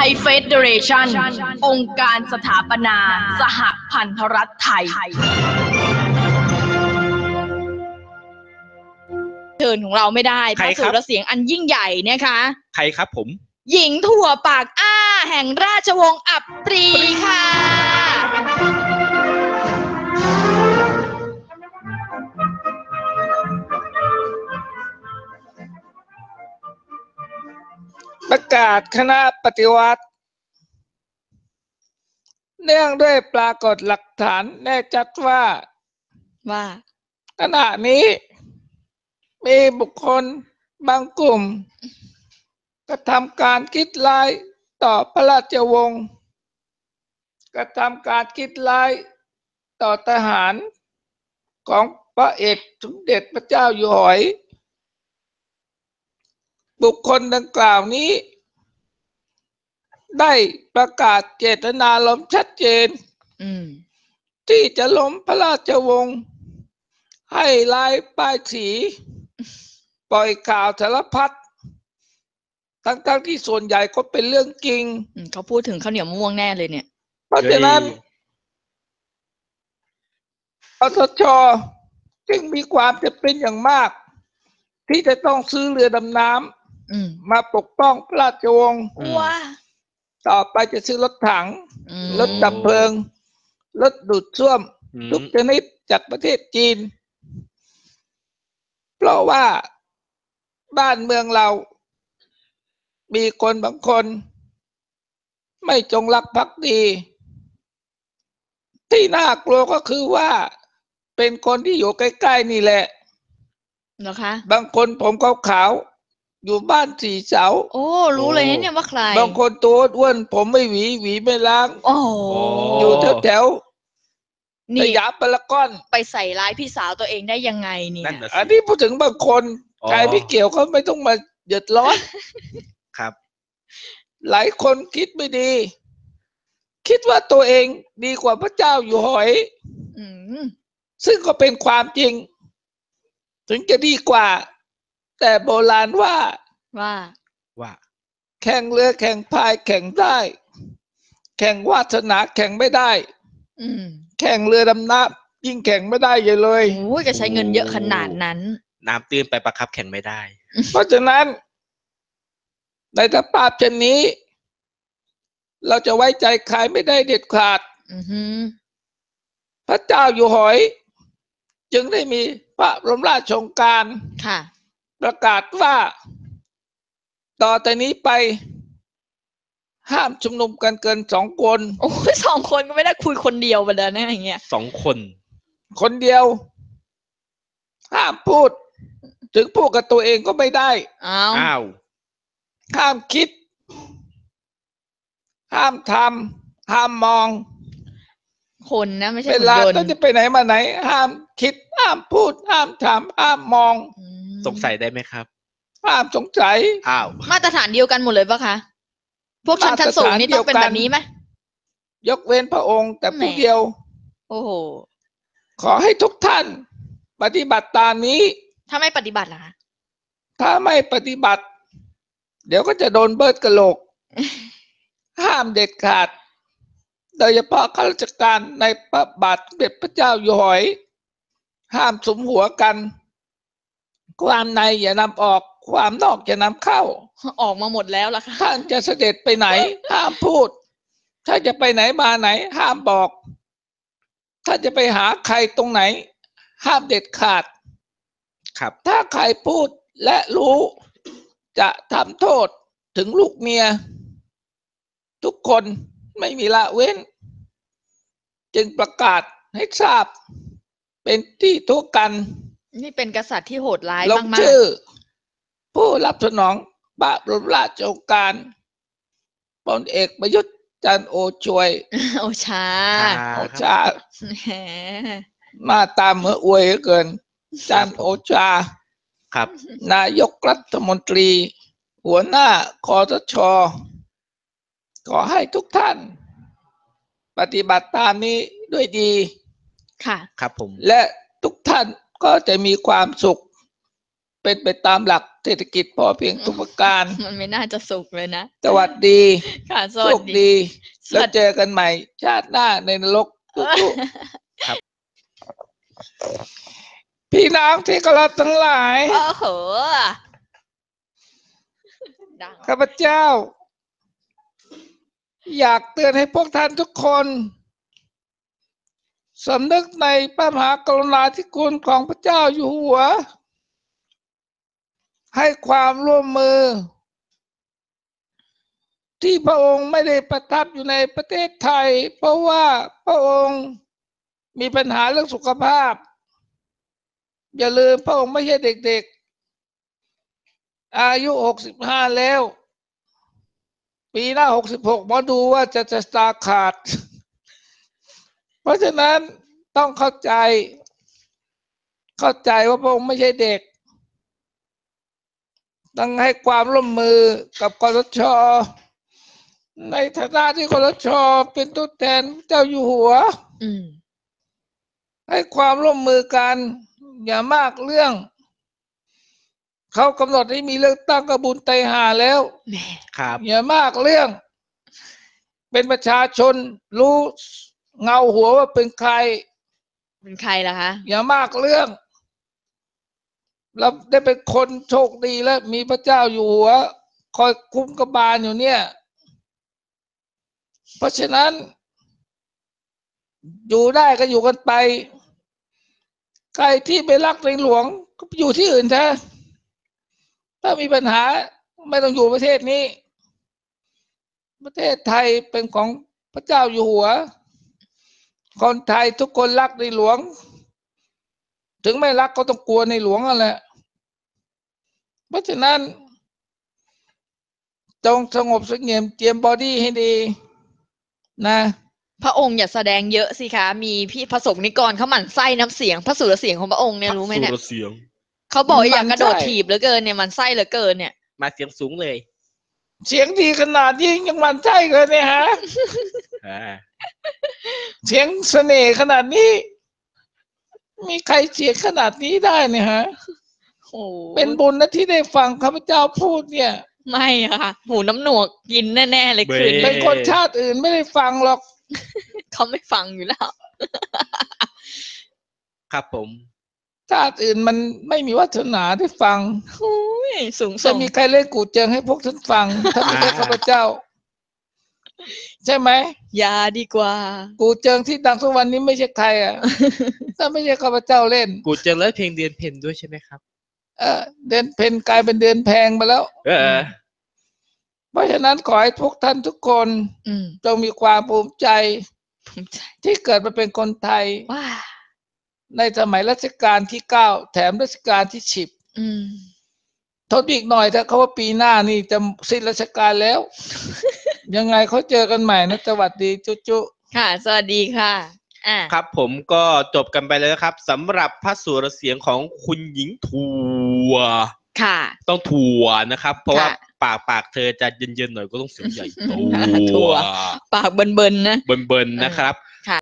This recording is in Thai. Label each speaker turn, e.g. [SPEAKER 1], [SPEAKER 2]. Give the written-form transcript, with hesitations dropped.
[SPEAKER 1] ยเฟเดเรชันองค์การสถาปนาสหพันธรัฐไทยเชิญของเราไม่ได้เพราะสุรเสียงอันยิ่งใหญ่นะคะ
[SPEAKER 2] ใครครับผม
[SPEAKER 1] หญิงถั่วปากอ้าแห่งราชวงศ์อับปรีค่ะ
[SPEAKER 3] ประกาศคณะปฏิวัติเนื่องด้วยปรากฏหลักฐานแน่ชัดว่าขณะนี้มีบุคคลบางกลุ่มกระทำการคิดร้ายต่อพระราชวงศ์กระทำการคิดร้ายต่อทหารของพระเอกสมเด็จพระเจ้าอยู่หัวบุคคลดังกล่าวนี้ได้ประกาศเจตนารมณ์ชัดเจนที่จะล้มพระราชวงศ์ให้ลายป้ายสีปล่อยข่าวสารพัดทั้งที่ส่วนใหญ่ก็เป็นเรื่องจริง
[SPEAKER 1] เขาพูดถึงข้าวเหนียวมะม่วงแน่เลยเนี่ย
[SPEAKER 3] เพราะฉะนั้นปตช.จึงมีความจำเป็นอย่างมากที่จะต้องซื้อเรือดำน้ำมาปกป้องพระราชวงศ์ต่อไปจะซื้อรถถังรถดับเพลิงรถดูดซ่วมทุกชนิดจากประเทศจีนเพราะว่าบ้านเมืองเรามีคนบางคนไม่จงรักภักดีที่น่ากลัวก็คือว่าเป็นคนที่อยู่ใกล้ๆนี่แหละ
[SPEAKER 1] นะคะ
[SPEAKER 3] บางคนผมขาวๆอยู่บ้านสี่เสา
[SPEAKER 1] โอ้รู้เลยเนี่ยว่าใคร
[SPEAKER 3] บางคนตัวอ้วนผมไม่หวีไม่ล้าง
[SPEAKER 1] โอ้
[SPEAKER 3] อยู่แถวสยามพารากอน
[SPEAKER 1] ไปใส่ร้ายพี่สาวตัวเองได้ยังไงเนี่ย
[SPEAKER 3] อันนี้พูดถึงบางคนใครไม่เกี่ยวเขาไม่ต้องมาเดือดร้อน
[SPEAKER 2] ครับ
[SPEAKER 3] หลายคนคิดไม่ดีคิดว่าตัวเองดีกว่าพระเจ้าอยู่หัวซึ่งก็เป็นความจริงถึงจะดีกว่าแต่โบราณว่าแข่งเรือแข่งพายแข่งได้แข่งวาสนาแข่งไม่ได้แข่งเรือดำน้ำยิ่งแข่งไม่ได้เลย
[SPEAKER 1] โอ้ยจะใช้เงินเยอะขนาดนั้น
[SPEAKER 2] น้ำตื้นไปประคับแข่งไม่ได้
[SPEAKER 3] เพราะฉะนั้นในสภาพเช่นนี้เราจะไว้ใจใครไม่ได้เด็ดขาดพระเจ้าอยู่หัวจึงได้มีพระบรมราชโองการประกาศว่าต่อแต่นี้ไปห้ามชุมนุมกันเกิน2 คน
[SPEAKER 1] โอ้ย2 คนก็ไม่ได้คุยคนเดียวไปเลยนะอย่างเงี้ย
[SPEAKER 3] คนเดียวห้ามพูดถึงพูดกับตัวเองก็ไม่ได้
[SPEAKER 2] อ้าว
[SPEAKER 3] ห้ามคิดห้ามทำห้ามมอง
[SPEAKER 1] คนนะไม่ใช่
[SPEAKER 3] เวลาต้องจะไปไหนมาไหนห้ามคิดห้ามพูดห้ามทำห้ามมอง
[SPEAKER 2] สงสัยได้ไหมครับ
[SPEAKER 3] ห้ามสงสัย
[SPEAKER 1] มาตรฐานเดียวกันหมดเลยปะคะพวกชั้นสูงนี่ต้องเป็นแบบนี้ไหม
[SPEAKER 3] ยกเว้นพระองค์แต่ผู้เดียว
[SPEAKER 1] โอ้โห
[SPEAKER 3] ขอให้ทุกท่านปฏิบัติตามนี้
[SPEAKER 1] ถ้าไม่ปฏิบัติล่ะคะ
[SPEAKER 3] ถ้าไม่ปฏิบัติเดี๋ยวก็จะโดนเบิร์ดกะโหลกห้ามเด็ดขาดโดยเฉพาะข้าราชการในพระบาทสมเด็จพระเจ้าอยู่หัวห้ามสุมหัวกันความในอย่านำออกความนอกอย่านำเข้า
[SPEAKER 1] ออกมาหมดแล้วล่ะค่ะ
[SPEAKER 3] ท่านจะเสด็จไปไหนห้ามพูดถ้าจะไปไหนมาไหนห้ามบอกถ้าจะไปหาใครตรงไหนห้ามเด็ดขาด
[SPEAKER 2] ครับ
[SPEAKER 3] ถ้าใครพูดและรู้จะทำโทษถึงลูกเมียทุกคนไม่มีละเว้นจึงประกาศให้ทราบเป็นที่ทั่วกัน
[SPEAKER 1] นี่เป็นกษัตริย์ที่โหดร้าย
[SPEAKER 3] มากๆลงชื่อผู้รับสนองพระบรมราชโองการพลเอกประยุทธ์จันทร์โอชามาตามเมื่ออวยเกินจันทร์โอชา
[SPEAKER 2] ครับ
[SPEAKER 3] นายกรัฐมนตรีหัวหน้าคสช.ขอให้ทุกท่านปฏิบัติตามนี้ด้วยดี
[SPEAKER 1] ค่ะ
[SPEAKER 2] ครับผม
[SPEAKER 3] และทุกท่านก็จะมีความสุขเป็นไปตามหลักเศรษฐกิจพอเพียงทุกประการ
[SPEAKER 4] มันไม่น่าจะสุกเลยนะ
[SPEAKER 3] สวัสดี
[SPEAKER 4] ค่ะส
[SPEAKER 3] โช
[SPEAKER 4] วัส
[SPEAKER 3] ค
[SPEAKER 4] ดี
[SPEAKER 3] ดี
[SPEAKER 4] ส
[SPEAKER 3] แล้ว
[SPEAKER 4] วัสดี
[SPEAKER 3] เจอกันใหม่ ชาติหน้าในนรกทุกๆพี่น้องที่เคารพทั้งหลาย
[SPEAKER 4] โอ้โหดัง
[SPEAKER 3] ข้าพเจ้า อยากเตือนให้พวกท่านทุกคนสำนึกในพระมหากรุณาธิคุณของพระเจ้าอยู่หัว ให้ความร่วมมือ ที่พระองค์ไม่ได้ประทับอยู่ในประเทศไทย เพราะว่าพระองค์มีปัญหาเรื่องสุขภาพ อย่าลืมพระองค์ไม่ใช่เด็กๆอายุ65แล้ว ปีหน้า66หมอดูว่าจะตาขาด เพราะฉะนั้นต้องเข้าใจว่าพระองค์ไม่ใช่เด็ก ต้องให้ความร่วมมือกับคสช.ในฐานะที่คสช.เป็นตัวแทนเจ้าอยู่หัว ให้ความร่วมมือกันอย่ามากเรื่อง เขากำหนดให้มีเลือกตั้งกระบุญไตรหาแล้ว
[SPEAKER 2] ครับ
[SPEAKER 3] อย่ามากเรื่อง เป็นประชาชนรู้เงาหัวว่าเป็นใคร
[SPEAKER 4] เป็นใครล่ะคะ
[SPEAKER 3] อย่ามากเรื่องเราได้เป็นคนโชคดีแล้วมีพระเจ้าอยู่หัว คอยคุ้มกบาลอยู่เนี่ย เพราะฉะนั้น อยู่ได้ก็อยู่กันไป ใครที่ไปรักในหลวงก็อยู่ที่อื่นเถอะถ้ามีปัญหาไม่ต้องอยู่ประเทศนี้ ประเทศไทยเป็นของพระเจ้าอยู่หัว คนไทยทุกคนรักในหลวง ถึงไม่รักก็ต้องกลัวในหลวงนั่นแหละ เพราะฉะนั้นจงสงบเสงี่ยมเจียมบอดี้ให้ดีนะ
[SPEAKER 4] พระองค์อย่าแสดงเยอะสิคะ มีพี่พระสงฆ์นิกรเขาหมั่นไส้น้ำเสียงพระสุรเสียงของพระองค์เนี่ยรู้ไหมเนี่ย
[SPEAKER 2] สุรเสียง
[SPEAKER 4] เขาบอกอยากกระโดดถีบเหลือเกินเนี่ยมันไส้เหลือเกินเนี่ย
[SPEAKER 2] มาเสียงสูงเลย
[SPEAKER 3] เสียงดีขนาดนี้ยังหมันใช่เลยเนี่ยฮะ
[SPEAKER 2] อ่า
[SPEAKER 3] เสียงเสน่ห์ขนาดนี้ มีใครเสียงขนาดนี้ได้เนี่ยฮะ
[SPEAKER 4] โอ้
[SPEAKER 3] เป็นบุญนะที่ได้ฟังข้าพเจ้าพูดเนี่ย
[SPEAKER 4] ไม่อะค่ะ หูน้ำหนวกกินแน่ๆเลยคืน
[SPEAKER 3] เป็
[SPEAKER 4] นี้
[SPEAKER 3] นคนชาติอื่นไม่ได้ฟังหรอก
[SPEAKER 4] เขาไม่ฟังอยู่แล้ว
[SPEAKER 2] ครับผม
[SPEAKER 3] ชาติอื่นมันไม่มีวาสนาได้ฟัง
[SPEAKER 4] อุ้ยสูง
[SPEAKER 3] จะ
[SPEAKER 4] ส่ง
[SPEAKER 3] มีใครเล่นกูเจิงให้พวกฉันฟัง ถ้าไม่ใช่ข้าพเจ้า ใช่ไหม
[SPEAKER 4] ยาดีกว่า
[SPEAKER 3] กูเจิงที่ดังทุกวันนี้ไม่ใช่ใครอ่ะ ถ้าไม่ใช่ข้าพเจ้าเล่น
[SPEAKER 2] กูเจอแล้วเพลงเดือนเพ็ญด้วยใช่ไหมครับ
[SPEAKER 3] เดือนเพ็ญกลายเป็นเดือนแพงไปแล้ว
[SPEAKER 2] เออ
[SPEAKER 3] เพราะฉะนั้นขอให้ทุกท่านทุกคน
[SPEAKER 4] อืม
[SPEAKER 3] จงมีความภูมิใจ
[SPEAKER 4] ภูมิใจ
[SPEAKER 3] ที่เกิดมาเป็นคนไทย
[SPEAKER 4] ว้า
[SPEAKER 3] ในสมัยรัชกาลที่9แถมรัชกาลที่10
[SPEAKER 4] อืม
[SPEAKER 3] ทนอีกหน่อยถ้าเขาว่าปีหน้านี่จะสิ้นราชการแล้ว ยังไงเขาเจอกันใหม่นะสวัสดีจุ
[SPEAKER 4] ค่ะ สวัสดีค่ะอ่า
[SPEAKER 2] ครับผมก็จบกันไปแล้วครับสำหรับพระสุรเสียงของคุณหญิงทัว
[SPEAKER 4] ค่ะ
[SPEAKER 2] ต้องทัวนะครับ เพราะว่า
[SPEAKER 4] ค่ะ
[SPEAKER 2] ปากเธอจะเย็นๆหน่อยก็ต้องเสียงใหญ่
[SPEAKER 4] ทัว ปากเบิ่นๆนะ
[SPEAKER 2] เบิ่นๆนะครับ